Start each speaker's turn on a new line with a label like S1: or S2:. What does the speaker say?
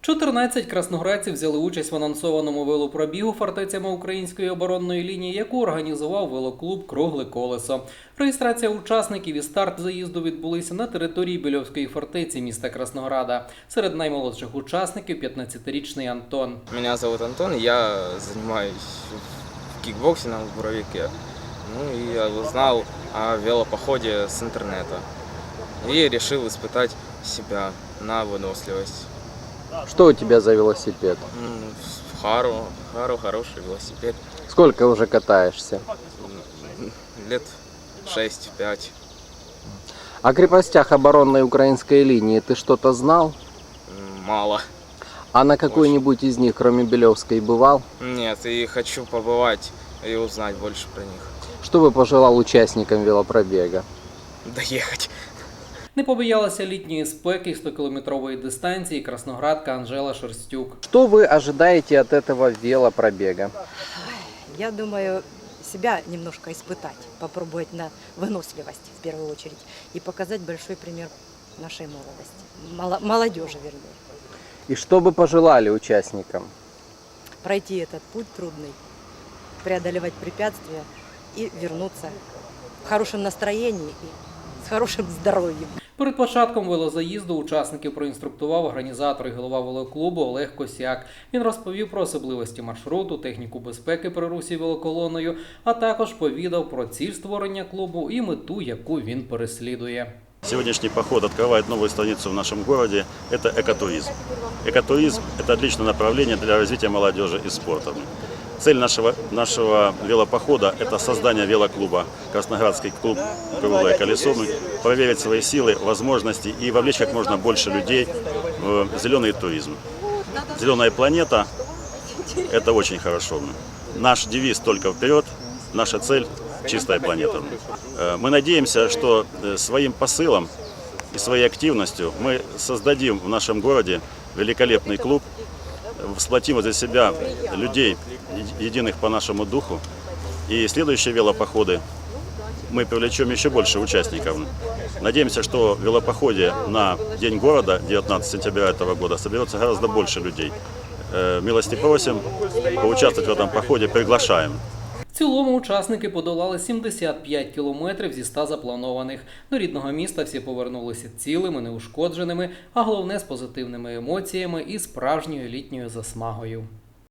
S1: 14 красноградців взяли участь в анонсованому велопробігу фортецями української оборонної лінії, яку організував велоклуб «Кругле колесо». Реєстрація учасників і старт заїзду відбулися на території Більовської фортеці міста Краснограда. Серед наймолодших учасників – 15-річний Антон.
S2: Меня зовут Антон, я занимаюсь в кикбоксингом в Боровике. И я узнал о велопоходе с интернета. И решил испытать себя на выносливость.
S3: Что у тебя за велосипед?
S2: Хару хороший велосипед.
S3: Сколько уже катаешься?
S2: Лет 6-5.
S3: О крепостях оборонной украинской линии ты что-то знал?
S2: Мало.
S3: А на какой-нибудь из них, кроме Белевской, бывал?
S2: Нет, и хочу побывать и узнать больше про них.
S3: Что бы пожелал участникам велопробега?
S2: Доехать.
S1: Не побоялася літньої спеки 100-кілометрової дистанції красноградка Анжела Шерстюк.
S3: Что вы ожидаете от этого велопробега?
S4: Я думаю, себя немножко испытать, попробовать на выносливость в первую очередь и показать большой пример нашей молодости, молодежи вернее.
S3: И что бы пожелали участникам?
S4: Пройти этот путь трудный, преодолевать препятствия и вернуться в хорошем настроении и с хорошим здоровьем.
S1: Перед початком велозаїзду учасників проінструктував організатор і голова велоклубу Олег Косяк. Він розповів про особливості маршруту, техніку безпеки при русі велоколоною, а також повідав про ціль створення клубу і мету, яку він переслідує.
S5: Сегодняшний поход открывает новую страницу в нашем городе – это экотуризм. Экотуризм – это отличное направление для развития молодежи и спорта. Цель нашего велопохода – это создание велоклуба, Красноградский клуб «Круглое колесо», проверить свои силы, возможности и вовлечь как можно больше людей в зеленый туризм. Зеленая планета – это очень хорошо. Наш девиз «Только вперед», наша цель – чистая планета. Мы надеемся, что своим посылом и своей активностью мы создадим в нашем городе великолепный клуб, сплотим возле себя людей, единых по нашему духу. И следующие велопоходы мы привлечем еще больше участников. Надеемся, что в велопоходе на День города, 19 сентября этого года, соберется гораздо больше людей. Милости просим, поучаствовать в этом походе приглашаем.
S1: В цілому учасники подолали 75 кілометрів зі 100 запланованих. До рідного міста всі повернулися цілими, неушкодженими, а головне – з позитивними емоціями і справжньою літньою засмагою.